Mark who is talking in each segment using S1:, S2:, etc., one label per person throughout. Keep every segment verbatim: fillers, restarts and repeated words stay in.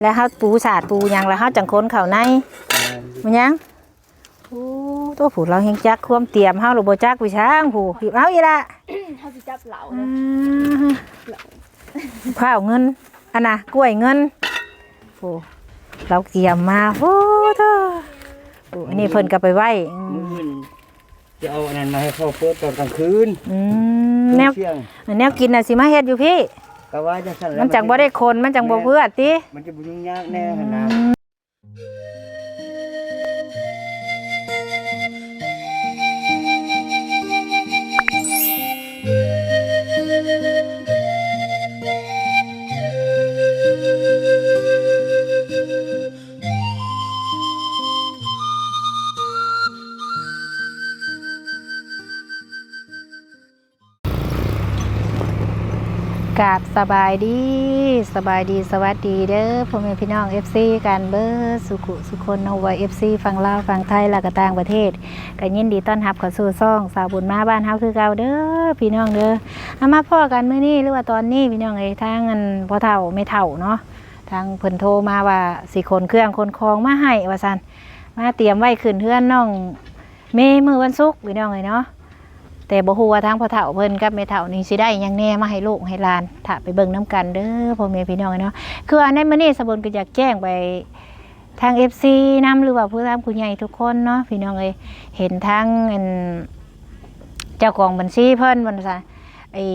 S1: แล้วเขาปูสาดปูยังแล้วเขาจังค้นเข่าในมันยังโอ้ตัวผูเราเฮงจักควมเตรียมเขาหรือโบจักวิช้างผูหยิบเอาอีละ
S2: เขาจะจับเหลา
S1: ข้าวเงินอันน่ะกล้วยเงินโอ้เราเตรียมมาโอ้เธอโอ้อันนี้เพิ่นก็ไปไหว้
S3: จะเอาอันนั้นมาให้เขาเปิดตอนกลางคืน
S1: แนวแนวกินน่ะสิมาเฮ็ดอยู่พี่
S3: ก็ว่าจะสั่น
S1: มันจังบ่ได้คนมันจังบ่เพื่อติ
S3: มันจะบ่ยุ่งยากแน่ขนาด
S1: กราบสบายดีสบายดีสวัสดีเด้อพ่อแม่พี่น้อง เอฟ ซี กันเบอร์สุขุสุคนเอาไว้ เอฟ ซี ฝั่งลาวฝั่งไทยและก็ต่างประเทศก็ยินดีต้อนรับเข้าสู่ช่องสาวบุญมาบ้านเฮาคือเก่าเด้อพี่น้องเด้อเอามาพ่อกันมื้อนี้หรือว่าตอนนี้พี่น้องเอ้ยทางอันพ่อเฒ่าไม่เฒ่าเนาะทางเพิ่นโทรมาว่าสิขนเครื่องขนของมาให้ว่าซั่นมาเตรียมไว้ขึ้นเฮือนน้องเมมื้อวันศุกร์พี่น้องเอ้ยเนาะแต่บ่ฮู้ว่าทางพ่อเฒ่าเพิ่นกับแม่เฒ่านี่สิได้หยังแน่มาให้ลูกให้หลานถ้าไปเบิ่งน้ำกันเด้อพ่อแม่พี่น้องเนาะคืออันในมื้อนี้สะบนก็อยากแจ้งไปทาง เอฟ ซี นำหรือว่าผู้ทำผู้ใหญ่ทุกคนเนาะพี่น้องเอ้ยเห็นทางเจ้าของบัญชีเพิ่นว่าซั่นไอ้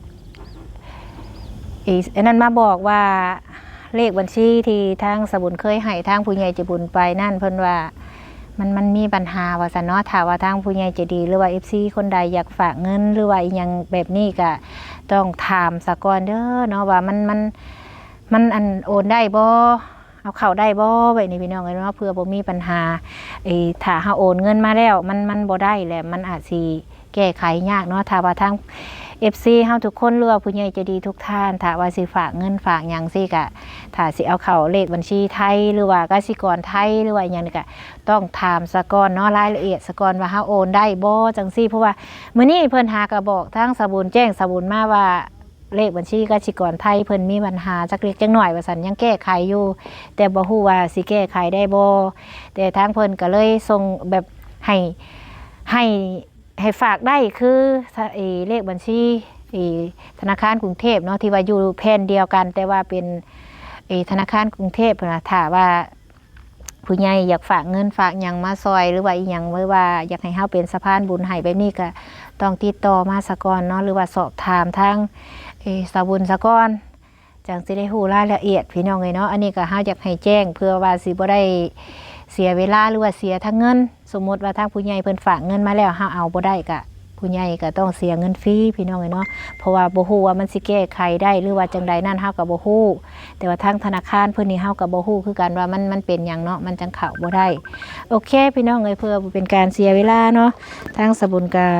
S1: ไอ้อันนั้นมาบอกว่าเลขบัญชีที่ทางสะบุญเคยให้ทางผู้ใหญ่ใจบุญไปนั่นเพิ่นว่ามันมันมีปัญหาว่าซะเนาะถ้าว่าทางผู้ใหญ่ใจดีหรือว่า เอฟ ซี คนใดอยากฝากเงินหรือว่าอีหยังแบบนี้ก็ต้องถามซะก่อนเด้อเนาะว่ามันมันมันอันโอนได้บ่เอาเข้าได้บ่ไว้นี่พี่น้องเอ้ยเนาะเพื่อบ่มีปัญหาไอ้ถ้าเฮาโอนเงินมาแล้วมันมันบ่ได้แหละมันอาจสิแก้ไขยากเนาะถ้าว่าทาง เอฟ ซี เฮาทุกคนหรือว่าผู้ใหญ่ใจดีทุกท่านถ้าว่าสิฝากเงินฝากหยังสิก็ถ้าสิเอาเข้าเลขบัญชีไทยหรือว่ากสิกรไทยหรือว่าหยังนี่ก็ต้องถามซะก่อนเนาะรายละเอียดซะก่อนว่าเฮาโอนได้บ่จังซี่เพราะว่ามื้อนี้เพิ่นหาก็บอกทางสบุญแจ้งสบุญมาว่าเลขบัญชีกสิกรไทยเพิ่นมีปัญหาจักเล็กจักน้อยว่าซั่นยังแก้ไขอยู่แต่บ่ฮู้ว่าสิแก้ไขได้บ่แต่ทางเพิ่นก็เลยส่งแบบให้ให้ให้ฝากได้คือไอ้เลขบัญชีธนาคารกรุงเทพเนาะที่ว่าอยู่แผ่นเดียวกันแต่ว่าเป็นธนาคารกรุงเทพนะถ้าว่าผู้ใหญ่อยากฝากเงินฝากหยังมาซอยหรือว่าอีหยังไว้ว่าอยากให้เฮาเป็นสะพานบุญให้แบบนี้ก็ต้องติดต่อมาสะก่อนเนาะหรือว่าสอบถามทางสาวบุญสะก่อนจังสิได้ฮู้รายละเอียดพี่น้องเอ้ยเนาะอันนี้ก็เฮาอยากให้แจ้งเพื่อว่าสิบ่ได้เสียเวลาหรือว่าเสียทั้งเงินสมมติว่าทางผู้ใหญ่เพิ่นฝากเงินมาแล้วเฮาเอาบ่ได้ก็ผู้ใหญ่ก็ต้องเสียเงินฟรีพี่น้องเนาะเพราะว่าบ่ฮู้ว่ามันสิแก้ไขได้หรือว่าจังใดนั่นเฮาก็บ่ฮู้แต่ว่าทางธนาคารเพิ่นนี่เฮาก็บ่ฮู้คือกันว่ามันมันเป็นหยังเนาะมันจังเข้าบ่ได้โอเคพี่น้องเอ้ยเพื่อเป็นการเสียเวลาเนาะทางสบุญก็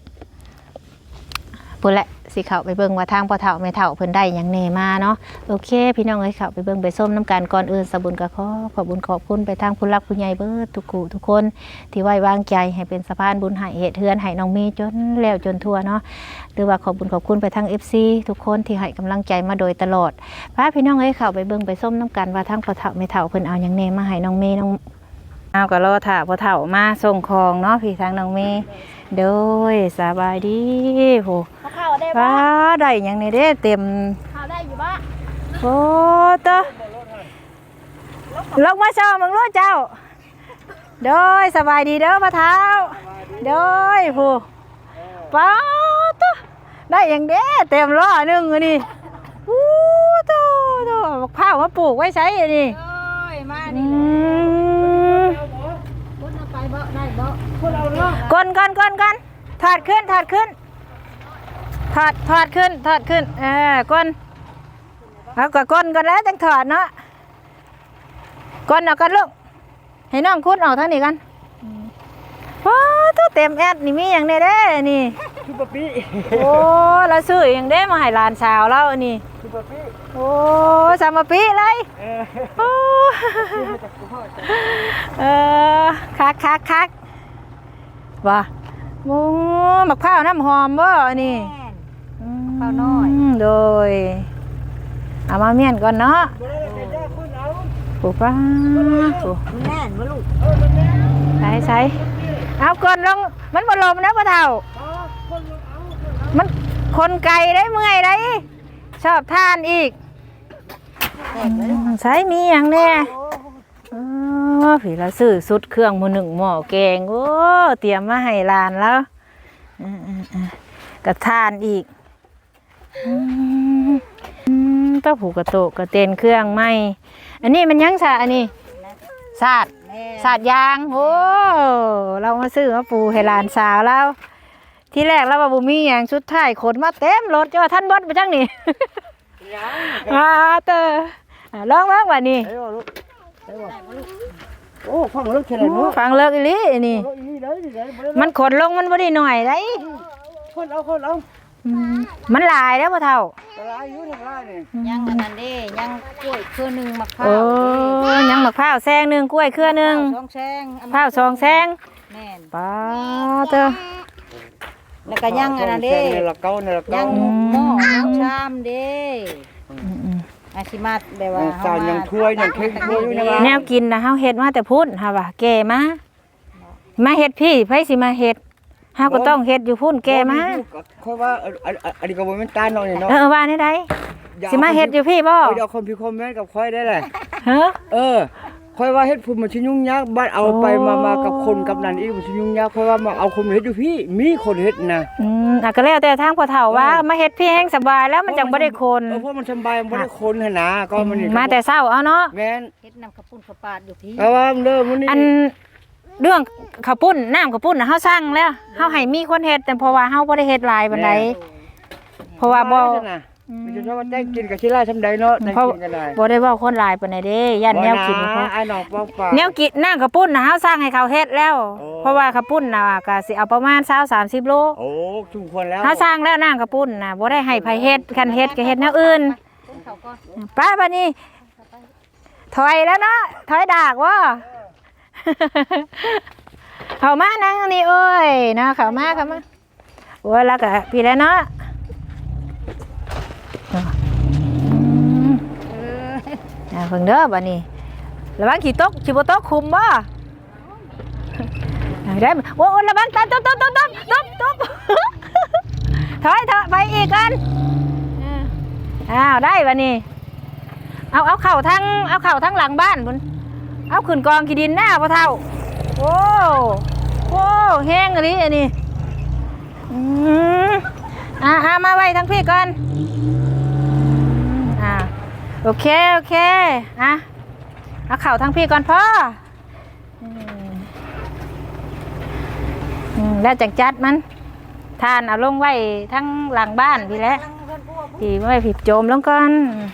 S1: พุ่นแหละสิเข้าไปเบิ่งว่าทางพ่อเฒ่าแม่เฒ่าเพิ่นได้หยังแน่มาเนาะโอเคพี่น้องเอ้ยเข้าไปเบิ่งไปส้มน้ำกันก่อนอื่นสบุญก็ขอขอบคุญขอบคุณไปทางผู้รักผู้ใหญ่เบิดทุกคู่ทุกคนที่ไว้วางใจให้เป็นสะพานบุญให้เฮ็ดเฮือนให้น้องมีจนแล้วจนทั่วเนาะหรือว่าขอบคุญขอบคุณไปทาง เอฟ ซี ทุกคนที่ให้กำลังใจมาโดยตลอดพาพี่น้องเอ้ยเข้าไปเบิ่งไปส้มน้ำกันว่าทางพ่อเฒ่าแม่เฒ่าเพิ่นเอาหยังแน่มาให้น้องมีน้องเอาก็รอถ่าพ่อเฒ่ามาส่งของเนาะพี่ทางน้องมีโดยสบายดีโหว้าได้ยังนี่เด้เต็มข้าวได้อยู่บ้าโอ้ตะลงมาเช้ามึงรู้เจ้าโดยสบายดีเด้อพ่อเฒ่าโดยผู้ป้าตะได้ยังเด้เต็มล้อหนึ่งนี่อู้ตะตะข้าวมาปลูกไว้ใช้นี่มาดิก้นก้นก้นก้นถอดขึ้นถอดขึ้นถอดถอดขึ้นถอดขึ้นเออก้นเอาก็ก้นก่อนแล้วจังถอดเนาะก้นเอากันลูกให้น้องคุดออกทางนี้กันว้าตัวเต็มแอดนี่มีอย่างนี้เด้นี่ซุปเปอร์ปี้โอ้เราซื้ออย่างเด้มาให้หลานสาวเราอันนี้ซุปเปอร์ปี้โอ้สามปีเลยโอ้เออคักคักคักว่าโอ้มะพร้าวน้ำหอมบ่นี่ข้าวน้อยโดยเอามาเมี่ยนก่อนเนาะปูป้าปู
S2: มันแน่นบ่ลูก
S1: ใส่ใส่เอาก่อนลงมันบ่ลมนะพ่อเฒ่ามันคนไก่ได้เมื่อยได้ชอบทานอีกใช้มีอย่างแน่อ๋อผีละซื้อสุดเครื่องมือหนึ่งหม้อแกงโอ้เตรียมมาให้หลานแล้วกระทานอีกก็ผูกกระโตกกระเตนเครื่องไหมอันนี้มันยังสะอันนี้สาดสาดยางโอ้เรามาซื้อมาปูให้หลานสาวแล้วที่แรกเราว่าบุมีอย่างชุดท้ายขนมาเต็มรถจะว่าท่านบดไปจังนี่อ่าเตอลองมากว่านี่
S3: โอ้ฟังเลิกแค่ไหนเนาะ
S1: ฟังเลิกอีหลีนี่มันขนลงมันบ่ได้หน่อยได้
S3: คนเอาคนเอา
S1: มันหลายแล้วพ่อเฒ่า
S3: ตลาดอยู่ทางล่างนี่
S2: ยังอันนั้นเด้ยังกล้วยเครือหนึงมะพร้า
S1: โอ้
S2: ว
S1: ยังมะพร้าวแซงหนึงกล้วยเครือหนึง
S2: สองแซง
S1: พร้าวสองแซง
S2: แม่น
S1: ป้าเตอ
S2: แล้วก็ยังอันนั้นเด้
S3: ในละเก้าในละ
S2: ยั
S3: เก้าง
S2: หม้อยังชามเด้อาชิมาแบบว่า
S3: จานยังถ้วยยังเค้กถ้วยอยู่ในร้าน
S1: แนวกินนะเฮาเฮ็ดมาแต่พุ่นค่ะว่าแก่มามาเฮ็ดพี่ไผสิมาเฮ็ดเฮาก็ต้องเฮ็ดอยู่พุ่นแก่มา
S3: ค่อยว่าอันนี้ก็บ่แม่นตาน้อยเนาะ
S1: เออว่าได้ไดสิมาเฮ็ดอยู่พี่บ่
S3: เดี๋ยวคนพี่คอมเมนต์กับค่อยได้แหละ
S1: เฮ้อ
S3: เออค่อยว่าเฮ็ดพุ่นมันสิยุ่งยากบ้านเอาไปมามากับคนกับนั่นอีกมันสิยุ่งยากค่อยว่ามาเอาคนเฮ็ดอยู่พี่มีคนเฮ็ดนะ
S1: อืมอ่ะก็แล้วแต่ทางพ่อเฒ่าว่ามาเฮ็ดพี่แห้งสบายแล้วมันจังบ่ได้คน
S3: เออเพราะมันสบายมันบ่ได้คนหั่นนะก็มันนี่
S1: มาแต่เช้าเอาเนาะ
S3: แม่น
S2: เฮ็ดน้ำข้าวปุ้นข้าวปาดอยู่พี่
S3: เอาว่าเด้อมื้อนี้
S1: อันเรื่องข้าวปุ้นน้ำข้าวปุ้นน่ะเฮาสั่งแล้วเฮาให้มีคนเฮ็ดแต่เพราะว่าเฮาบ่ได้เฮ็ดหลายปานใดเพราะว่าบ่
S3: มันจะว่าได้กินกับชิล่าทำใดเนาะได้
S1: เพราะ
S3: กินกันได้
S1: บ่ได้เว้าคนหลายปานใดเด้ย่านแนวกินบ่พอ
S3: ไอ้น้องป้องปาก
S1: แนวกินน้ำข้าวปุ้นน่ะเฮาสั่งให้เขาเฮ็ดแล้ว
S3: โอ้
S1: เพราะว่าข้าวปุ้นน่ะก็สิเอาประมาณยี่สิบ สามสิบโล
S3: โอ้ชุมควรแล้ว
S1: เฮาสั่งแล้วน้ำข้าวปุ้นน่ะบ่ได้ให้ไผเฮ็ดคันเฮ็ดก็เฮ็ดแนวอื่น
S2: ปุ้นเขาก็
S1: ไป้าบัดนี้ถอยแล้วเนาะถอยดากบ่ เข้ามานั่งนี่เอ้ยเนาะเข้ามาเข้ามาโอ้ยแล้วก็พี่แล้วเนาะ อ่าเพิ่งเด้อบัดนี้ระวังขี้ตกสิบ่ตกคุมบ่ได้โอ้ระวังตาตบตบตบตบตบตบถอยเถอะไปอีกกันอ้าวได้บัดนี้เอาเอาเข่าทั้งเอาเข่าทั้งหลังบ้านพุ่นเอาขึ้นกองขี้ดินหน้าพ่อเฒ่าโอ้โอ้แห้งอันนี้อันนี้อืมอ่าอ่ามาไว้ทั้งพี่ก่อนอ่าโอเคโอเคอ่ะเอาเข่าทั้งพี่ก่อนพ่ออืมอืมแล้วจังจัดมันทานเอาลงไว้ทั้งหลังบ้านพี่แหล้วพี่ไว้ผิดโจมลงก่อน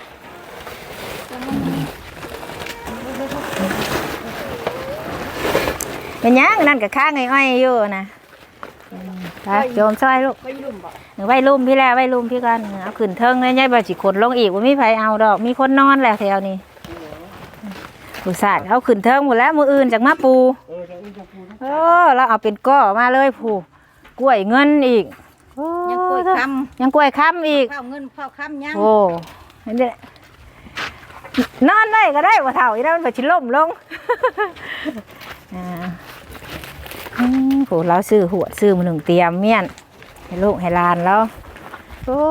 S1: เป็นยังนั่นกับข้างอ้อยๆอยู่นะไปโจมซอยลูก
S2: ไปลุ่มบ่
S1: ไว้ลุ่มพี่แล้วไว้ลุ่มพี่กันเอาขึ้นเทิงเลยยายบ่สิขนลงอีกว่ามีไผเอาดอกมีคนนอนแล้วแถวนี้ผู้สาดเอาขึ้นเทิงหมดแล้วมืออื่นจากมาปู
S3: เออจะอุ้มจะพูด
S1: เออเราเอาเป็นก้อมาเลยผู้กล้วยเงินอีกโอ้
S2: ยังกล้วยค
S1: ยังกล้วยค้ำอีก
S2: ำข้าวเงินข้าวคำยัง
S1: โอ้นี่นแหละนอนได้ก็ได้ว่าเท่าอีนั้นมันไปชิล่มลง อ่าอืมโหเราซื้อหัวซื้อมาหนึ่งเตรียมเมี่ยนให้ลูกให้หลานแล้วโอ้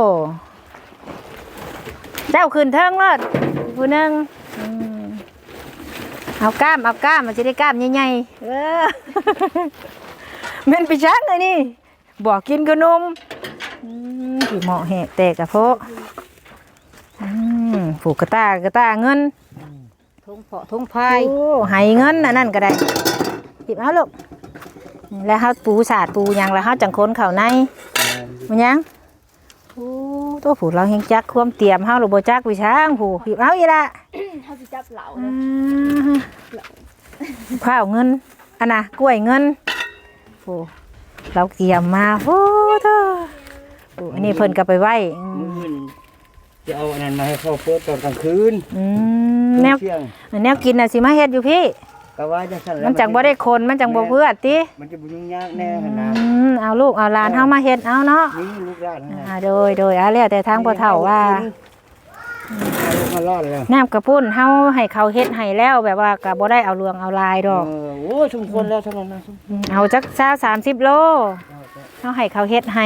S1: เจ้าขึ้นเทิงเลิศผู้หนึ่งอืมเอาก้ามเอาก้ามมันจะได้ก้ามใหญ่ๆเออ เม่นไปชักเลยนี่บอกกินขนมอืมผีเหมาะแหกแตกกระโพะอืมผูกกระตากระตาเงิน
S2: ทงเพาะทงพาย
S1: โอ้ให้เงินอันนั่นก็ได้หยิบเอาลูกแล้วเขาปูสาดปูหยังแล้วเขาจังคนเข่าในมันยังโอ้ตัวผูเราเฮงจักความเตรียมเขาหรือโบจักวิช้างผูหยิบเอาอีละ
S2: เขาสิจับเหล่า
S1: อ่าข้าวเงินอันน่ะกล้วยเงินโอ้เราเตรียมมาโอ้เธอโอ้อันนี้เพิ่นก็ไปไหว้อื
S3: มื้อ
S1: ม
S3: อื่นจะเอาอันนั้นมาให้เขาเปิดตอนกลางคืน
S1: อืมแนว
S3: เที่ยง
S1: แนวกินน่ะสิมาเฮ็ดอยู่พี่
S3: ก็ว่าจังซั่นแหละ
S1: มันจังบ่ได้คนมันจังบ่เพื่อติ
S3: มันจะบ่ยุ่งยากแน่หั่นนะ
S1: อืมเอาลูกเอาหลานเฮามาเฮ็ดเอาเนาะ
S3: นี่ลูกหลานหั่น
S1: อ่า
S3: น่ะ
S1: โดยโดยเอาแล้วแต่ทางพ่อเฒ่าว่า
S3: ให้ลูกมาร้อนแล้ว
S1: น้ำกระปุ้นเฮาให้เขาเฮ็ดให้แล้วแบบว่าก็บ่ได้เอาเรื่องเอาลายดอก
S3: เออโอ้ยสมควรแล้วเท่านั้นนะ
S1: เอาจักซาสามสิบโลเฮาให้เขาเฮ็ดให้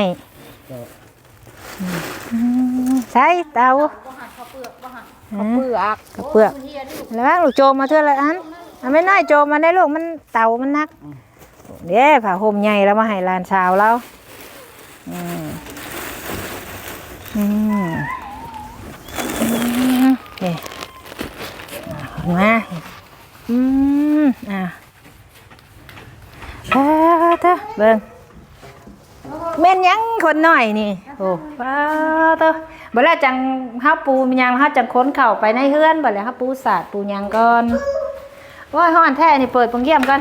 S1: อืมใส่เตา
S2: ข้าวเปลือก
S1: กระเปลือกแล้วลูกโจมมาเทื่อละอันเอาไม่น้อยโจมมาได้ลูกมันเตามันนักเด้ผ้าห่มใหญ่แล้วมาให้หลานสาวเราอืมอืมอืมนี่มาอืมอ่ะเออเถอะเบิ่งแม่นยังคนหน่อยนี่โอ้ป้าเถอะบ่แล้วจังเฮาปูมีหยังเฮาจังค้นเข้าไปในเฮือนบ่แล้วเฮาปูสาดปูหยังก่อนโอ้ยฮ้อนแท้นี่เปิดโปงเยี่ยมก่อน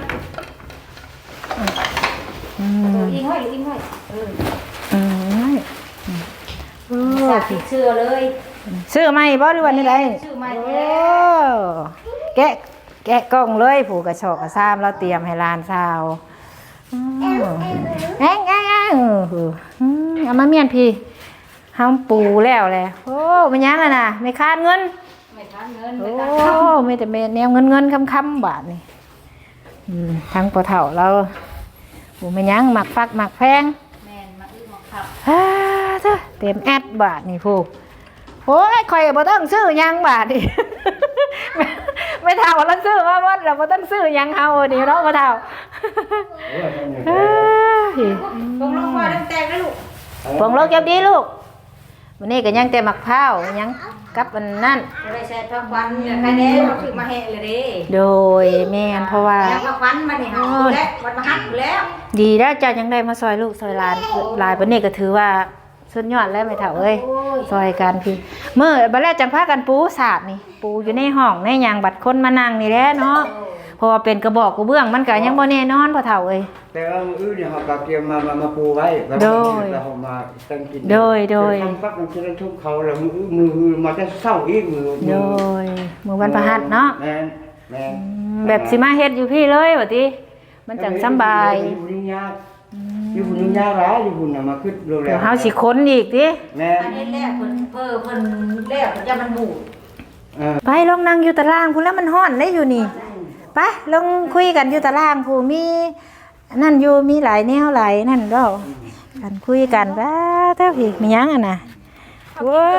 S1: อืม
S2: อิงห้อยอิงห้อย
S1: อืมเออ
S2: สาธิตเชื่อเลย
S1: ซื้อใหม่บ่หรือว่านี่ได
S2: ชื่อใหม่
S1: โอ้
S2: แล้ว
S1: แกะแกะกล่องเลยผูกกระชอกกระซ้ำเราเตรียมให้หลานสาวอืมแอ้งแอ้งแอ้งเอออืมเอามาเมียนพี่เฮาปูแล้วแหละโอ้มันยังอ่ะน่ะไม่คาดเงิน
S2: ไม่ทันเงิน
S1: โอ้
S2: ไม่ทันคำ
S1: มีแต่แนวเงินเงินคำคำบาทนี่อืมทั้งปะเถ่าเราโอ้ไม่ยั้งหมักฟักหมักแพง
S2: แม่นมาอึ้งมาขับ
S1: ฮ่าเจ้าเต็มแอดบาทนี่ผู้โอ้ยคอยบ่ต้องซื้อหยังบาทนี่ ไม่ไม่เท่าเราซื้อมาหมดเราบ่ต้องซื้อหยังเฮานี่เนาะบ่เท่าเฮ้ย
S2: ตรงลงมาตั้งแต่แล้วลูก
S1: ปองโลกเก็บดีลูกวันนี้ก็ยังแต่หมักพร้าวยังกับอันนั่น
S2: จะได้ใช้พักวันเนี่ยใครเด้เราคือมาแห่เลยเด้
S1: โดยแม่นเพราะว่า
S2: แล้วพักวันมาเนี่ยเอาแล้ววันมาฮัดแล้ว
S1: ดีแล้วเจ้ายังได้มาซอยลูกซอยหลานหลายปานนี้ก็ถือว่าสุดยอดแล้วไม่เท่าเอ้ยซอยกันพี่เมื่อบัดแรกจังพากันปูสาดนี่ปูอยู่ในห้องในหยังบัดคนมานั่งนี่แหละเนาะเพราะว่าเป็นกระบอกกระเบื้องมันก็ยังบ่แน่นอนพ่อเฒ่าเอ้ย
S3: แต่ว่ามื้ออื่นเนี่ยเฮาก็เตรียมมามามาปูไว้แล้ว
S1: โดย
S3: แล้วเฮามาตั้งกิน
S1: โดยโดย
S3: ทำฟักมันจะได้ทุบเขาแล้วมือมือมือมาจะเศร้าอีกมือ
S1: โดยมื้อวันพฤหัสเนาะ
S3: แม่นแม่น
S1: อืมแบบสิมาเฮ็ดอยู่พี่เลยว่าติมันจังสำบาย
S3: อยู่ยุ่งยากอยู่ยุ่งยากหลายอยู่พุ่นน่ะมาขึ้นโรงแร
S1: เดี๋ยว
S3: ม
S1: เฮาสิค้นอีกติ
S3: แม่น
S2: อันนี้แรกเพิ่นเพิ่นเพิ่นแรกจะมันบูด
S3: เออ
S1: ไปลองนั่งอยู่ตารางพุ่นแล้วมันฮ้อนได้อยู่นี่ไปลองคุยกันอยู่ตารางผู้มีนั่นอยู่มีหลายแนวหลายนั่นเด้อกันคุยกันว่าเท่าพี่มีหยังอ่ะน่ะว้า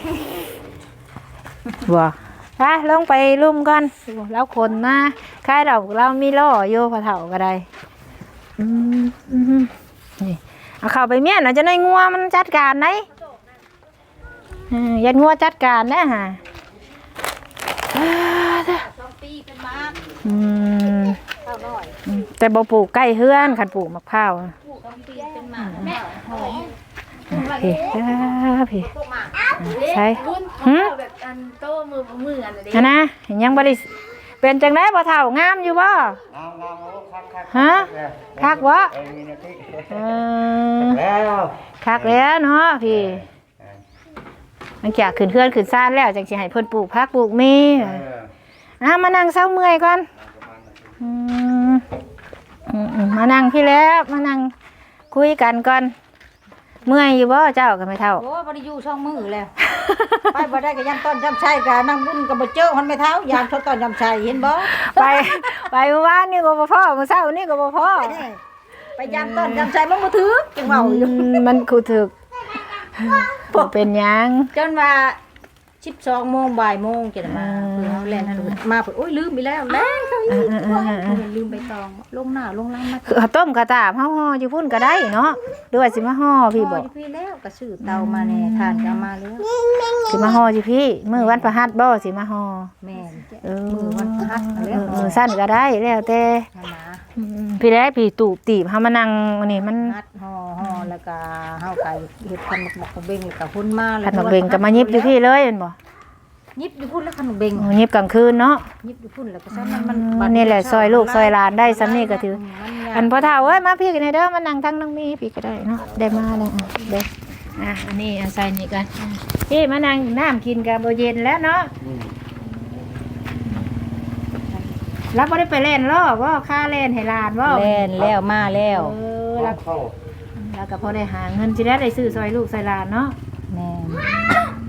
S1: บ่ไปลงไปลุ่มก่อนแล้วคนมาคายเราเรามีล่ออยู่พอเฒ่าก็ได้อืมอืมนี่เอาเข้าไปเมียนน่ะจะได้งัวมันจัดการไหนอืมยันงัวจัดการนะฮะอ่าเด้อ
S2: สองปีเป็นมาก
S1: อืม
S2: เท่าน้อย
S1: อืมแต่บ่ปลูกใกล้เฮือนคันปลูกมะพร้าวอะ
S2: ปลูกสองปีเป็นมากแม่หอม
S1: พี่อ่าพี่
S2: พวกหมาก
S1: ใช่
S4: รุ่น
S1: หึ
S4: แบบอันโตมือมืออันนี้
S1: อันนะยังบ่ได้เป็นจังได๋บ่เฒ่างามอยู่บ่
S3: งามงามโอ้คักคัก
S1: ฮะคักบ่
S3: เอ้ยมีนาที
S1: เออ
S3: แล้ว
S1: คักแล้วเนาะพี่หลังจากขึ้นเฮือนขึ้นซ่านแล้วจังสิให้เพิ่นปลูกผักปลูกมี
S3: เออ
S1: อ่ะมานั่งเซาเมื่อยก่อนอืมอืมอืมมานั่งพี่แล้วมานั่งคุยกันก่อนเมื่อยอยู่บ่เจ้าก็ไม่เท่า
S2: โอ้บ่ได้อยู่ช่องมือแล้ว ไปบ่ได้ก็ยันต้นจำชัยก็นั่งบุญก็บ่เจอมันไม่เท้ายามชดต้นจำชัยเห็นบ่
S1: ไปไปเมื่อวานนี่ก็บ่พอเมื่อเช้านี่ก็บ่พอ
S2: ไปยามต้นจำชัยมันบ่ถือจังเว้าอยู่
S1: อืมมันคูถึกบ่เป็นหยัง
S2: จนว่าสิบสองโมงบ่ายโมงจะได้มา
S1: อืม
S2: เพื่อเฮาแล่นทันมาเพิ่นโอ้ยลืมไปแล้วแล่นเขาอีก
S1: เออเออเออเออ
S2: เพิ่นลืมใบตองลงหน้าลงหลังมา
S1: คือข้าวต้มกระตาบเฮาห่ออยู่พุ่นก็ได้เนาะหรือว่าสิมาห่อพี่บ่
S2: พ่อยู่พี่แล้วก็ซื้อเตามาแน่ทานก็เอามาแล้ว
S1: สิมาห่ออยู่พี่มื้อวันพฤหัสบ่สิมาห่อ
S2: แม่น
S1: เออ
S2: มือวันพฤหัสเอา
S1: เอ
S2: แล้ว
S1: อเออสั้นก็ได้แล้วแต่
S2: นั่นนะ
S1: อืมพี่ได้พี่ตูบตีบเฮามานั่งอันนี้มัน
S2: นัดห่อห่อแล้วก็เฮาก็เฮ็ดขนมหมกหมกเบงแล้วก็พุ่นมา
S1: ขนมเบงก็มายิบอยู่พี่เลยแม่นบ่
S2: ยิบอยู่พุ่นแล้วขนมเบง
S1: โอ้ยิบกลางคืนเนาะ
S2: ยิบอยู่พุ่นแล้วก็ซ้ำมันมัน
S1: อืมนี่แหละซอยลูกซอยหลานได้ซ้ำนี่ก็ถือ
S2: มันยาก
S1: อันพ่อเฒ่าเอ้ยมาพี่กันเด้อมานั่งทั้งน้องมีพี่ก็ได้เนาะได้มาแล้วอ่ะเด้ออ่ะอันนี้อันใส่นี่กันพี่มานั่งน้ำกินกับบ่เย็นแล้วเนาะรับบ่ได้ไปเล่นล้อบ่ค่าเล่นให้หลานบ่
S2: แล่นแล้วมาแล้ว
S1: เออ
S3: รั
S1: แล้ว
S3: กเข้า
S1: แล้วก็พอได้หาเงินสิได้ได้ซื้อซอยลูกซอยหลานเนาะ
S2: แม่น
S1: บ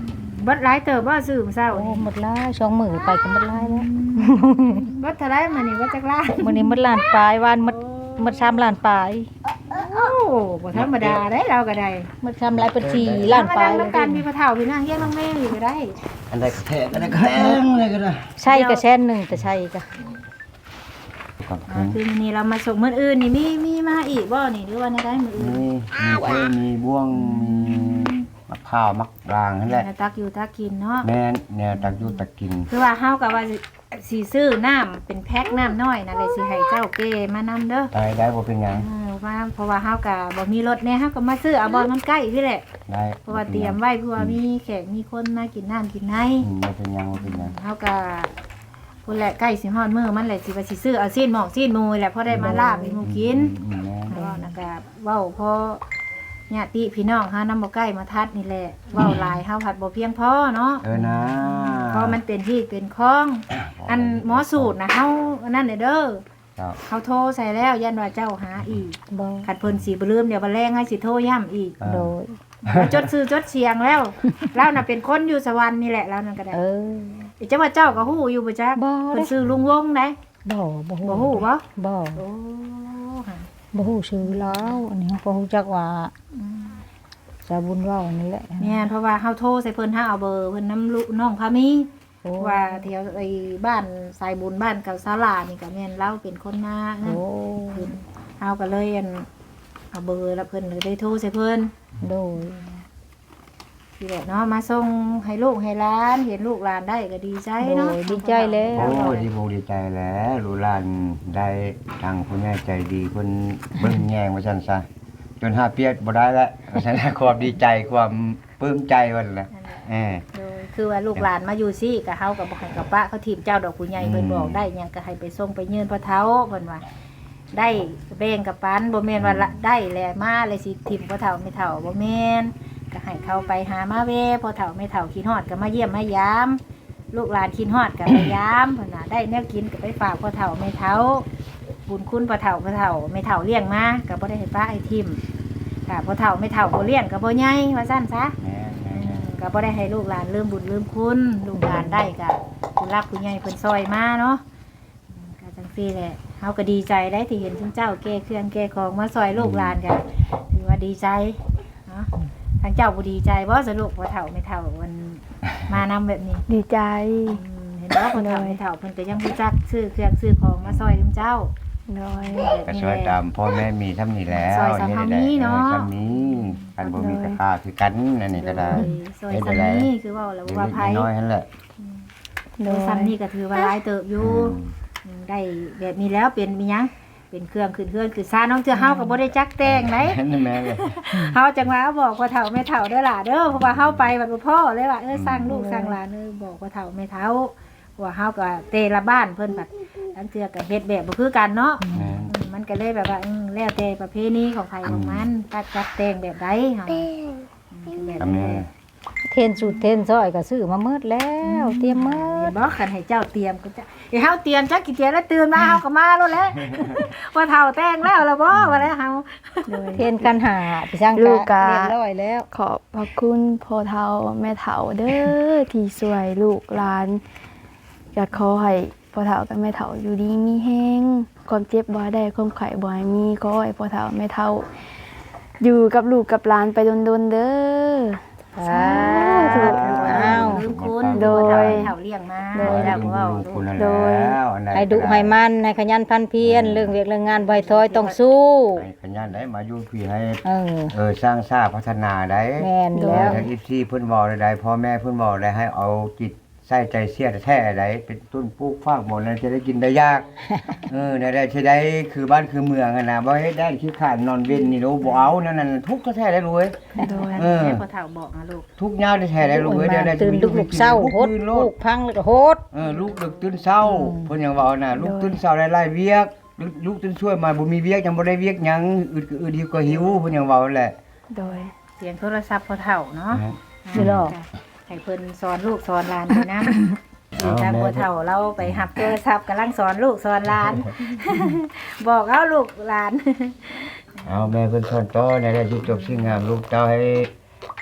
S1: บัดหลายเติบบ่ซื้อมื้อเช้า
S2: โอ้
S1: นี่
S2: หมดลายสองมื้อไปก็หมดลายแล้ว
S1: บัดเท่าไรมื้อนี้บัดจักล้าน
S2: มื้อนี้หมดล้านปลายวานหมดหมดสามล้านปลาย
S1: โอ้บ่ธรรมดาเด้เราก็ได้
S2: หมดสามล้านเป็นสี่ล้านปลาย
S1: แล้วกันมีพ่อเฒ่าพี่นางเฮียนน้องแม่อยู่ก็ได้
S3: อันใดก็แท้อันใดก็แห้งเลยก็ได้
S2: ใช่ก็แสนหนึงแต่ใช่ก็
S1: อ่าคือมื้อนี้เรามาส่งมื้ออื่นนี่มีมีมาอีกบ่นี่หรือว่าในได้มื้ออื่น
S3: มีมีเพมีบ่วงมีมะพร้าวมักรางนั่นแหละ
S1: ตักอยู่ตักกินเนาะ
S3: แม่นแนวตักอยู่ตักกิน
S1: คือว่าเฮาก็ว่าสิสิซื้อน้ำเป็นแพ็คน้ำน้อยนั่นเลยสิให้เจ้าเก้มานำเด้อ
S3: ได้ได้บ่เป็นหยัง
S1: เออว่าเพราะว่าเฮาก็บ่มีรถแน่เฮาก็มาซื้อเอาบ่มันใกล้พี่แหละ
S3: ได้
S1: เพราะว่าเตรียมไว้เพื่อว่ามีแขกมีคนมากินน้ำกินใน
S3: อืมบ่เป็นหยังบ่เป็นหยัง
S1: เฮาก็พุ่นแหละใกล้สิฮอดมื้อมันแหละสิว่าสิซื้อเอาซีนหมอกซีนหมูแหละพอได้มาลาบให้หมู่กิน
S3: อืมแม่น
S1: แล้วนะก็เว้าพอญาติพี่น้องเฮานำบ่ใกล้มาทัดนี่แหละเว้าหลายเฮาผัดบ่เพียงพอเนาะ
S3: เออนะ
S1: เพราะมันเป็นที่เป็นคลอง อันหมอสูตรนะเฮาอันนั้นเด้อ
S3: เจ้า
S1: เขาโทรใส่แล้วยันว่าเจ้าหาอีก
S2: บ่
S1: ขัดเพิ่นสิบ่ลืมเดี๋ยวบ่แรงให้สิโทรย้ำอีก
S3: เออ
S2: โดย
S1: แล้วจดชื่อจดเสียงแล้วเราน่ะเป็นคนอยู่สวรรค์นี่แหละเรานั่นก็ได้
S2: เออ
S1: เดี๋ยวจะว่าเจ้าก็ฮู้อยู่บ่จ๊ะ
S2: บ่เด้
S1: เพิ่นชื่อลุงวงได้
S2: บ่บ่ฮู้
S1: บ่ฮู้บ่
S2: บ่
S1: โอ้ค่ะ
S2: บ่ฮู้ชื่อแล้วอันนี้เขาก็ฮู้จักว่าสาบุญเว้านี่แหละ
S1: แม่นเพราะว่าเฮาโทรใส่เพิ่นเฮาเอาเบอร์เพิ่นนำลูกน้องพามี
S2: โอ้
S1: ว่าแถวไอ้บ้านสายบุญบ้านเก่าศาลานี่ก็แม่นเราเป็นคนนานั่น
S2: โอ้
S1: เพิ่นเฮาก็เลยอันเอาเบอร์แล้วเพิ่นเลยได้โทรใส่เพิ่น
S2: โดย
S1: ทีแหละเนาะมาส่งให้ลูกให้หลาน เห็นลูกหลานได้ก็ดีใจ
S2: โด
S1: เนาะ
S2: ยดีใจแล้ว
S3: โอ้ดีบ่ดีใจแล้วลูกหลานได้ทางผู้ใหญ่ใจดีเพิ่นเบิ่งแยงว่าซั่นซะจนหาเปียกบ่ได้แล้วว่าซั่นนะความดีใจความปลื้มใจว่าซั่นน่ะเออ
S1: โดยคือว่าลูกหลานมาอยู่ซี่ก็เฮาก็บ่ให้กับปะเขาทีมเจ้าดอกผู้ใหญ่เพิ่นบอกได้หยังก็ให้ไปส่งไปยืนพระเท้าเพิ่นว่าได้แบ่งกับปันบ่แม่นว่าละได้แลมาเลยสิทิมพระเท้าไม่เฒ่าบ่แม่นก็ให้เขาไปหามาเวพอเฒ่าไม่เฒ่าคิดฮอดก็มาเยี่ยมมายาม ลูกหลานคิดฮอดก็ไปยามเพิ่นน่ะได้แนวกินก็ไปฝากพ่อเฒ่าแม่เฒ่าบุญคุณพ่อเฒ่าพ่อเฒ่าแม่เฒ่าเลี้ยงมาก็บ่ได้ให้ป้าให้ทิมค่ะพ่อเฒ่าแม่เฒ่าบ่เลี้ยงก็บ่ใหญ่ว่าซั่นซะ
S3: แม่น
S1: อืมก็บ่ได้ให้ลูกหลานลืมบุญลืมคุณลูกหลานได้ก็คุณรักคุณใหญ่เพิ่นซอยมาเนาะอืมก็จังซี่แหละเฮาก็ดีใจได้ที่เห็นคุณเจ้าแก้เครื่องแก้ของมาซอยลูกหลานกันถือว่าดีใจเนาะทางเจ้าบ่ดีใจบ่สรุปว่าเฒ่าไม่เฒ่ามันมานำแบบนี้
S5: ดีใจ
S1: อืมเห็นบ่คนเฒ่าไม่เฒ่าเพิ่นก็ยังรู้จักซื้อเครื่องซื้อของมาซอยคุณเจ้า
S5: โดย
S3: ก็ช่วยตามพ่อแม่มีทำนี่แล้ว
S1: ซอยสามเท่านี้เนาะ
S3: ออซ้ำนี้กันบ่มีราคาคือกันอันนี้ก็ได้
S1: ซอยซ้ํนี้คือเว่าแล้วว่าไผ
S3: เล็กๆน้อยๆนั่นแหละ
S5: โด
S1: โดย
S5: ย
S1: ซ้ํนี้ก็ถือว่าหลายเติบอยู่ อืมได้แบบนี้แล้วเป็นมีหยังเป็นเครื่องขึ้นเฮือนคือซ่าน้องเทื่อเฮาก็บ่ได้จักแต่งไหน
S3: นั่นแม่เลย
S1: เฮาจังว่าบอกว่าเฒ่าแม่เฒ่าเด้อล่ะเด้อเพราะว่าเฮาไปบัดบ่พ่อเลยว่าเออสร้างลูกสร้างหลานเออบอกว่าเฒ่าแม่เฒ่าว่าเฮาก็เตละบ้านเพิ่นบัดอันเทื่อก็เฮ็ดแบบบ่คือกันเนาะ
S3: แม่
S1: อืมมันก็เลยแบบว่าอืมแล้วแต่ประเพณีของใครของมันตัดจัดแต่งแบบใดเฮาอืมแบบ
S3: ทำ
S1: นี้
S3: นี่
S2: เทนสูตรเทนซอยก็ซื้อมาหมดแล้ว เตรียมหม
S1: เห็
S2: ด
S1: นบ่คันให้เจ้าเตรียมก็จะเดี๋ยวเฮาเตรียมจักกี่เตรียมแล้วตื่นมาเฮาก็มาแล้วแหละ ว่าเฒ่าแต่งแล้วล่ะบ่ว่าแล้วเฮา
S5: โดย
S2: เทนกันหาพี่ช่าง
S5: ลูกกะ
S2: เรียบร้อยแล้ว
S5: ขอบพระคุณพ่อเฒ่าแม่เฒ่าเด้อที่ช่วยลูกหลานอยากขอให้พ่อเฒ่ากับแม่เฒ่าอยู่ดีมีแฮงความเจ็บบ่ให้ได้ความไข้บ่ให้มีขอให้พ่อเฒ่าแม่เฒ่า อยู่กับลูกกับหลานไปดนๆเด้อ
S2: สาธุอ้าว
S1: ลืมคุณ
S5: โดย
S1: เฒ่าเลี้ยงมา
S3: โดย
S1: แล้วก็เว้า
S3: คุณนั่น
S5: โดย
S3: แล้วอันใด
S2: ให้ดุให้มันให้ขยันพันเพียรเรื่องเวียกเรื่องงานบ่ให้ถอยต้องสู้
S3: ให้ขยันได้มาอยู่พี่ให้
S2: เออ
S3: เออสร้างสร้างพัฒนาได้
S2: แม่นแล้ว
S3: ทางอีซีเพิ่นบอกได้พ่อแม่เพิ่นบอกได้ให้เอาจิตใส่ใจเสียแท้ๆได้เป็นต้นปลูกฟากหมดแล้วจะได้กินได้ยาก เออได้ได้สิได้คือบ้านคือเมืองอะนะบ่เฮ็ดได้คือขาดนอนเว้นนี่โนบ่เอานั่นน่ะทุกข์แท้ๆได้รู้เว้ย
S5: โดย
S3: เออ
S1: แม่พ่อเฒ่าบอกนะลูก
S3: ทุกข์ยาวแท้ๆได้รู้เว้ย
S2: มา
S3: ได้
S2: ตื่นดึกลูกเศร้าโหด
S3: ลู
S2: ลู
S3: ก
S2: กพังแล้วก็โหด
S3: เออลูกดึกตื่นเช้าเพิ่นยังเว้าน่ะลูกตื่นเช้าได้หลายเวียกลูกลูกตื่นช่วยมาบ่มีเวียกยังบ่ได้เวียกหยังอึดก็อึดหิวก็หิวเพิ่นยังเว้าแหละ
S5: โดย
S1: เสียงโทรศัพท์พ่อเฒ่าเนาะ
S2: อยู่หรอ
S1: ให้เพิ่นสอนลูกสอนหลานไปนํอยู่ทางพ่อเฒ่าเราไปหับโทรศัพท์กำลังสอนลูกสอนหลาน บอกเอาลูกหลาน
S3: เอาแม่เพิ่นสอนต่อในได้จุดจบสิ่งงามลูกเจ้าให้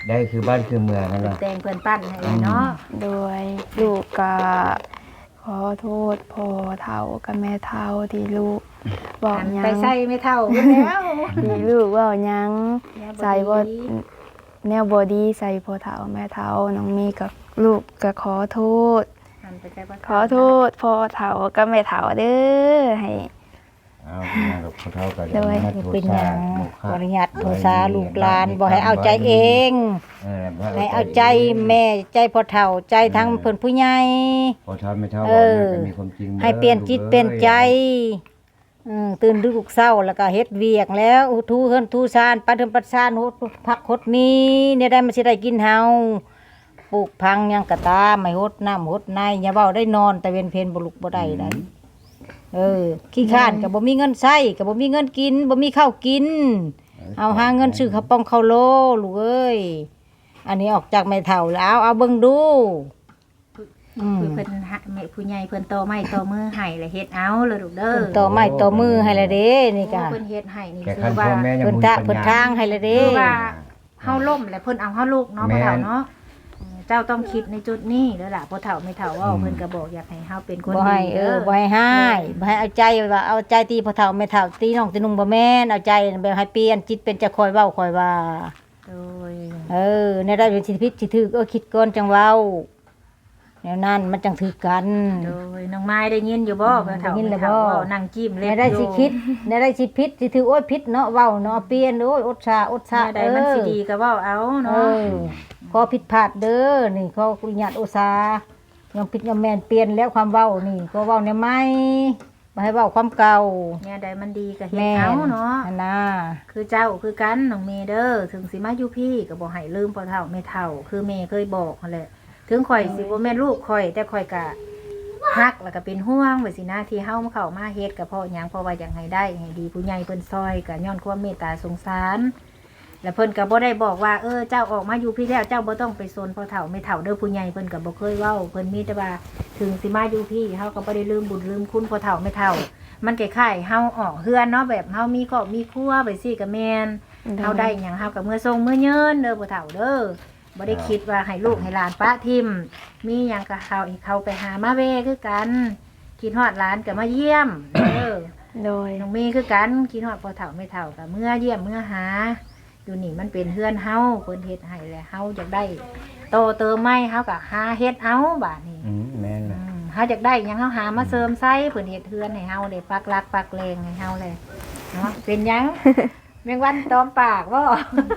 S3: ได้คือบ้านคือเมืองนั่นแหละ
S1: แต่งเพิ่นปั้นให้เลยเนาะ
S5: โดยลูกก็ขอโทษพ่อเฒ่ากับแม่เฒ่าที่ลูกบอก
S1: อัน
S5: หยัง
S1: ไปใส่ไม่เท่าเพิ่นแล้ว
S5: ที่ลูกเว่าหยัง
S1: แนวบ่ดี
S5: ใส่บ่แนวบ่ดีใส่พ่อเฒ่าแม่เฒ่าน้องมีกับลูกก็ขอโทษ
S1: อันไปใส่บ่
S5: ขอโทษพ่อเฒ่ากับแม่เฒ่าเด้อให้
S3: เอาเป็นหยังกับเขาเท่ากัน
S5: โดย
S3: มาโทษ
S2: เป็นหยัง
S3: โมฆะ
S2: บริยัติโทษาลูกหลานบ่ให้เอาใจเอง
S3: เออบ่
S2: ให้เอาใจแม่ใจพ่อเฒ่าใจทั้งเพิ่นผู้ใหญ่
S3: พอเท่าไม่เท่า
S2: เอ
S3: บอก
S2: อ
S3: นั่นก็มีความจริงด้อ
S2: ให้เปลี่ยนจิต
S3: ลูกอ้
S2: เปลี่ยนใจอืมตื่นดึกเช้าแล้วก็เฮ็ดเวียกแล้วอุทูเฮือนทูซานปัดเทิมปัดซานโหดพักโหดมีเนี่ยได้มันสิได้กินเฮาปลูกพังหยังกะตามไม่โหดน้ำโหดในอย่าเว้าได้นอนแต่เว้นเพลบ่ลุกบ่ได้ได้เออขี้ข้านก็บ่มีเงินใช้ก็บ่มีเงินกินบ่มีข้าวกิน เอาหาเงินซื้อข้าวป้องข้าวโลลูกเอ้ยอันนี้ออกจากไม่เท่าแล้วเอาเบิ่งดูอืม
S1: คือเพิ่นหาแม่ผู้ใหญ่เพิ่นโตไม้โตมือให้แล้วเฮ็ดเอาเลยลูกเด้อ
S2: เพิ่นต่อไม้ต่อมือให้ละเด้นี่ก็
S1: เพิ่นเฮ็ดให้นี่
S3: แก่
S1: คื
S3: คั
S1: อน ว่า
S3: พ่อแม่ยัง
S2: เพิ่น
S3: บ่
S2: ทะ
S3: มี
S2: เพิ่น
S3: ปัญญ
S2: ทางให้ละเด้
S1: คือว่าเฮาล่มแล้วเพิ่นเอาเฮาลูกเนาะ
S3: แม่
S1: พ่อน เฒ่าเนาะเออเจ้าต้องคิดในจุดนี้เด้อล่ะพ่อเฒ่าไม่เฒ่าเว้าเพิ่นก็บอกอยากให้เฮาเป็นคน
S2: บ่ให้
S1: ดี
S2: เอ
S1: เด้
S2: อ
S1: อ
S2: บ่ให้ให้บ่ให้เอาใจว่าเอาใจตีพ่อเฒ่าแม่เฒ่าตีน้องตีนุ่งบ่แม่นเอาใจแบบให้เปลี่ยนจิตเป็นจะคอยเว้าคอยว่า
S1: โดย
S2: เออในได้สิผิดสิถูกเออคิดก่อนจังเว้าแนวนั้นมันจังถือกัน
S1: โดยน้องไม้ได้ยินอยู่บ่พ่อเฒ่า
S2: ได้ยินแล้ว
S1: แม่เฒ่า
S2: บ่
S1: เว้านั่งจิ้ม
S2: ใน
S1: เล็บ
S2: ได้
S1: อยู่
S2: สิคิดในได้สิผิดสิถือโอ้ยผิดเนาะเว้าเนาะเปลี่ยนโอ้ยอดชาอดชา
S1: แม่ใดมันสิดีก็เว้าเอา
S2: เอ
S1: เนาะ
S2: อขอผิดพลาดเด้อนี่ขอคุญญาตอุตสาห์ยังผิดยังแม่นเปลี่ยนแล้วความเว้านี่ก็เว้าแนวใหม่บ่ให้เว้าความเก่า
S1: แม่ใดมันดีก็เฮ็ด
S2: แม่
S1: เอาเนาะ
S2: อันน่ะ
S1: คือเจ้าคือกันน้องเมเดอร์ถึงสิมาอยู่พี่ก็บ่ให้ลืมพ่อเฒ่าแม่เฒ่า คือแม่เคยบอกนั่นแหละถึงข่อยสิบ่แม่นลูกข่อย แต่ข่อยก็ฮักแล้วก็เป็นห่วงไว้สินะที่เฮามาเข้ามาเฮ็ดก็เพราะหยังเพราะว่าอยากให้ได้ให้ดีผู้ใหญ่เพิ่นซอยก็ย้อนความเมตตาสงสาร แล้วเพิ่นก็บ่ได้บอกว่าเออเจ้าออกมาอยู่พี่แล้วเจ้าบ่ต้องไปสนพ่อเฒ่าแม่เฒ่าเด้อผู้ใหญ่เพิ่นก็บ่เคยเว้าเพิ่นมีแต่ว่าถึงสิมาอยู่พี่เฮาก็บ่ได้ลืมบุญลืมคุณพ่อเฒ่าแม่เฒ่า มันคล้ายๆเฮาออกเฮือนเนาะแบบเฮามีครอบมีครัวไปสิก็แม่น เฮาได้หยังเฮากับมือทรงมือเยินเด้อบ่เฒ่าเด้อบ่ได้คิดว่าให้ลูกให้หลานปะทิมมีหยังก็เขาให้เขาไปหามาเวคือกันคิดฮอดหลานก็มาเยี่ยมเด้อ
S5: โดย
S1: น้องมีคือกันคิดฮอดพ่อเฒ่าแม่เฒ่าก็เมื่อเยี่ยมเมื่อหาอยู่นี่มันเป็นเฮือนเฮาเพิ่นเฮ็ดให้แหละเฮาอยากได้โตเติมใหม่เฮาก็หาเฮ็ดเอาบาดนี้
S3: อืมแม่น
S1: อื
S3: ล่ะ
S1: มเฮาอยากได้หยังเฮาหามาเสริมใส่เพิ่นเฮ็ดเฮือนให้เฮาได้ปักหลักปักแรงให้เฮาเลยเนาะเป็นหยัง แมงวันตอมปากบ่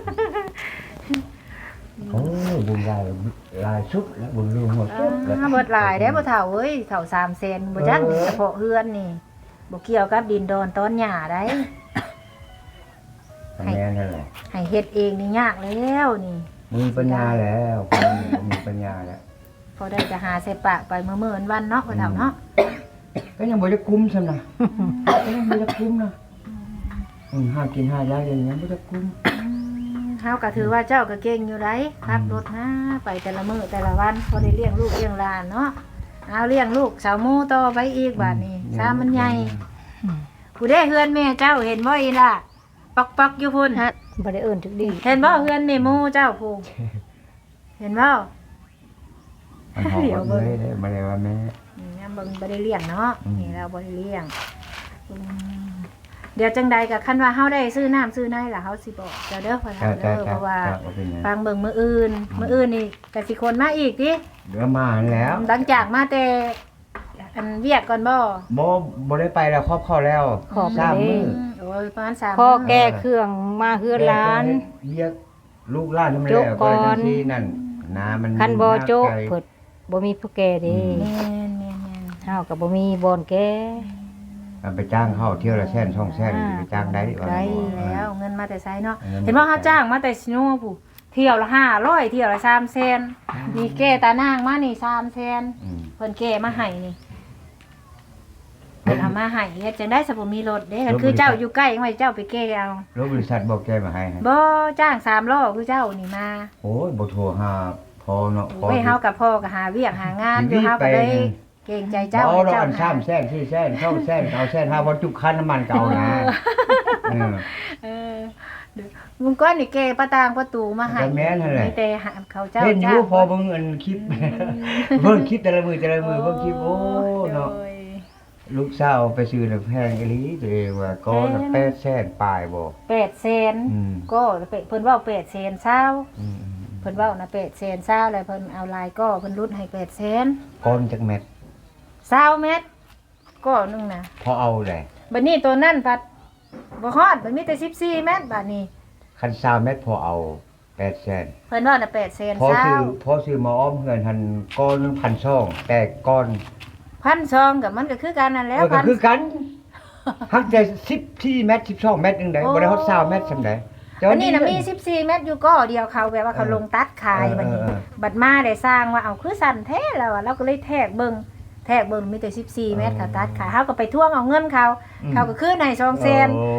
S3: โอ้ยบุญหลายหลายสุดแล้วบุญรวมหมดสุดแล้ว
S1: อ่าเบิดหลายเด้บ่เฒ่าเอ้ยเฒ่าสามแสนบ่จัก
S3: เออ
S1: เฉพาะเฮือนนี่บ่เกี่ยวกับดินดอนต้นหญ้าได้
S3: แม่นนั่นแหละ
S1: ให้เฮ็ดเองนี่ยากแล้วนี่
S3: มีปัญญาแล้วคนมีปัญญาแล้ว
S1: พอได้จะหาใส่ปากไปมื้อๆวันๆเนาะบ่เฒ่าเนาะ
S3: ก็ยังบ่ได้คุ้มซำนะก็ยังบ่ได้คุ้มนะอืมหากินหายากอย่างนี้บ่ได้คุ้ม
S1: เฮาก็ถือว่าเจ้าก็เก่งอยู่ได้ขับรถนะไปแต่ละมื้อแต่ละวันพอได้เลี้ยงลูกเลี้ยงหลานเนาะเอาเลี้ยงลูกสาวหมู่ต่อไปอีกบาดนี้ซามันใหญ่ผู้ใดเฮือนแม่เจ้าเห็นบ่อีล่ะปอกๆอยู่พุ่น
S2: บ่ได้เอิ้นถึกดี
S1: เห็นบ่เฮือนแม่หมู่เจ้าผู้เห็นบ่
S3: มันหอมเลยเลยบ่ได้ว่าแม่
S1: นี่นะเบิ่งบ่ได้เลี้ยงเนาะ
S3: อืม
S1: นี่เราบ่ได้เลี้ยงอืมเดี๋ยวจังใดก็คันว่าเฮาได้ซื้อน้ำซื้อในล่ะเฮาสิบอกเจ้าเด้อพ่อ
S3: จ้า
S1: เฒ่า
S3: จ้า
S1: เด้อเพ
S3: จ้า
S1: ราะว่า
S3: จ้าบ่เป็นหยัง
S1: ฟังเบิ่งมื้ออื่นมื้ออื่นนี่ก็สิคนมาอีกติ
S3: เดี๋ยวมาแล้ว
S1: หลังจากมาแต่อันเวียกก่อนบ่
S3: บ่บ่ได้ไปแล้วครอบครัวแล้ว
S2: ขอบ
S3: สาม
S2: เด้
S3: มื้อ
S1: โอ้ยประมาณสาม
S2: พ่อ
S1: มื้อ
S2: แก้เครื่องมาเฮือนหลาน
S3: เรียกลูกหลานทำไม
S2: โจ๊ะ
S3: แล้ว
S2: ก่
S3: ก็
S2: อน
S3: จังซี่นั่นน้ามัน
S2: คันบ่โจ๊ะ
S3: ไกล
S2: เพิ่นบ่มีผู้แก่เด้
S1: แม่นแม่นแม่น
S2: เฮาก็บ่มีบ่อนแก่
S3: เอาไปจ้างเขาเที่ยวละแสนสองแสนไปจ้างได้ว่า
S1: ได้
S3: บ่
S1: แล้วเงินมาแต่ไสเนาะ
S3: งิ
S1: เห็นบ่เฮาจ้างมาแต่ซิโนผู้เที่ยวละห้าร้อยเที่ยวละสามแสนมีแก้ตานางมานี่สามแสน
S3: อืม
S1: เพิ่นแก้มาให้นี่เพิ่นเอามาให้เฮ็ดจังได้สบ่มีรถเด้กันคือเจ้าอยู่ใกล้จังไว้เจ้าไปแก้เอา
S3: รถบริษัทบอกแกมาให้ให้
S1: บ่จ้างสามล้อคือเจ้านี่มา
S3: โอ้ยบ่โทรหาพอเนาะพอ
S1: ไว้เฮากับพ่อก็หาเวียกหางานอยู่เฮาก็เลยเกรงใจเจ้า
S3: เจ้า
S1: ให้
S3: เรา
S1: เจ้า
S3: อัน
S1: หา
S3: สามแสนสี่แสนสองแสนเอาแสนห้าพอจุกคันน้ำมันเก่านะเออ
S1: เออมึงก้อนนี่แกประตางประตูมาให้
S3: ก็แม่นนั่นแหละ
S1: มีแต่หาเขาเจ้า
S3: เห็นอยู่
S1: จ้าง
S3: พอเบิ่งอันคลิป เบิ่งคลิปแต่ละมือแต่ละมือเบิ่งคลิปโอ้เนาะ
S1: โดย
S3: ลูกสาวไปซื้อแล้วแพงอีหลีตัวเองว่าก้อนละแปดแสนปลายบ่
S1: แปดแสน
S3: อืม
S1: ก็เพิ่นเว้าแปดแสนเช้า
S3: อืม
S1: เพิ่นเว้านะแปดแสนเช้าแล้วเพิ่นเอาลายก็เพิ่นรุดให้แปดแสน
S3: ก้อนจักเม็ด
S1: เช้าเม็ดก็นึงนะ
S3: พอเอาได้
S1: บัดนี้ตัวนั้นปัดบ่ฮอดมันมีแต่สิบสี่เม็ดบัดนี้
S3: คันสามเม็ดพอเอาแปดแสน
S1: เพิ่นว่าน่ะแปดแสน
S3: พอ
S1: เช้า
S3: ซื้อพอซื้อมาอ้อมเฮือนหันก้อนหนึงพันช่องแต่ก้อน
S1: พันซองกับมันก็คือกันนั่นแห
S3: เอ
S1: ล้ว
S3: อก็คือกันหักใจสิบสี่เม็ดสิบสองเม็ดนึงได้บ่ได้ฮอดยี่สิบเม็ดซำใดเจ้า
S1: อันนี้น่ะมีสิบสี่เม็ดอยู่ก็เดียวเขาแบบว่าเขาลงตัดขายบัดนี้
S3: เออเออ
S1: บัดมาได้สร้างว่าเอาคือสั่นแท้แล้วอะเราก็เลยแทกเบิ่งแทกเบิ่งมีแต่สิบสี่เม็ดเขาตัดขายเฮาก็ไปทวงเอาเงินเขา เขาก็คืนให้สองแสน
S3: โอ้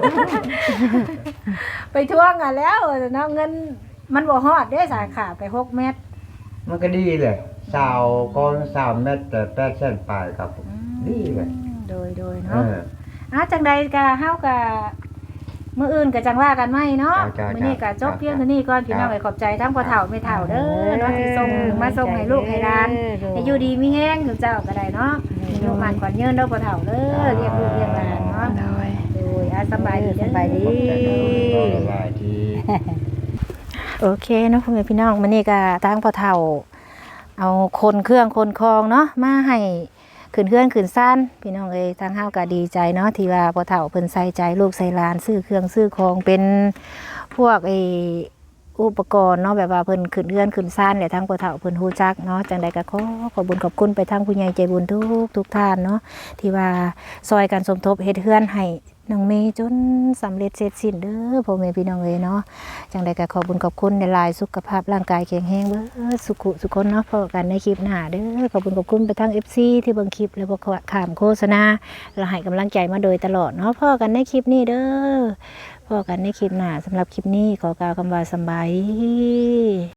S1: ไปทวงอ่ะแล้วเนาะเงินมันบ่ฮอดเด้สาขาไปหกเม็ด
S3: มันก็ดีเลยสาวก้อนสามเม็ดแต่แปดแสนปลายครับผมดีเลย
S1: โดยโดย
S3: เอ
S1: เนาะ
S3: อ
S1: อ่ะจังใดก็เฮาก็มื้ออื่นก็จังว่ากันใหม่เนาะ
S3: จ้าๆๆ
S1: มื้อนี้ก็จบเพียงเท่านี้ก่อนพี่น้อง
S3: จ้า
S1: เอ้ยขอบใจทั้งพ่อเฒ่าแม่เฒ่าเด้อเนาะที่ส่งมาส่งให้ลูกให้หลานให้อยู่ดีมีแฮงทุกเจ้าก็ได้เนาะให้อยู่มันขวัญยืนเด้อพ่อเฒ่าเด้อเรียกลูกเรียกหลานเนาะ
S5: โดย
S1: โดยอ่ะสบายดีเด้อ
S2: สบายดี
S3: สบายดี
S1: โอเคเนาะพ่อแม่พี่น้องมื้อนี้ก็ทางพ่อเฒ่า เอาคนเครื่องคนคองเนาะมาให้ขึ้นเครื่องขึ้นซ่านพี่น้องเอ้ยทางเฮาก็ดีใจเนาะที่ว่าพ่อเฒ่าเพิ่นใส่ใจลูกใส่หลานซื้อเครื่องซื้อของเป็นพวกไอ้อุปกรณ์เนาะแบบว่าเพิ่นขึ้นเครื่องขึ้นซ่านแหละทางพ่อเฒ่าเพิ่นฮู้จักเนาะจังใดก็ขอขอบคุญขอบคุณไปทางผู้ใหญ่ใจบุญทุกทุกท่านเนาะที่ว่าซอยกันสมทบเฮ็ดเฮือนให้น้องเมย์จนสำเร็จเสร็จสิ้นเด้อพ่อแม่พี่น้องเอ้ยเนาะ จังใดก็ขอบุญขอบคุณในลายสุขภาพร่างกายแข็งแรงเบ้อสุขุสุขคนเนาะพอกันในคลิปหน้าเด้อขอบคุญขอบคุณไปทั้ง เอฟ ซี ที่เบิ่งคลิปและบ่ขามโฆษณาและให้กำลังใจมาโดยตลอดเนาะพอกันในคลิปนี้เด้อพอกันในคลิปหน้าสำหรับคลิปนี้ขอกล่าวคำว่าสำบายดี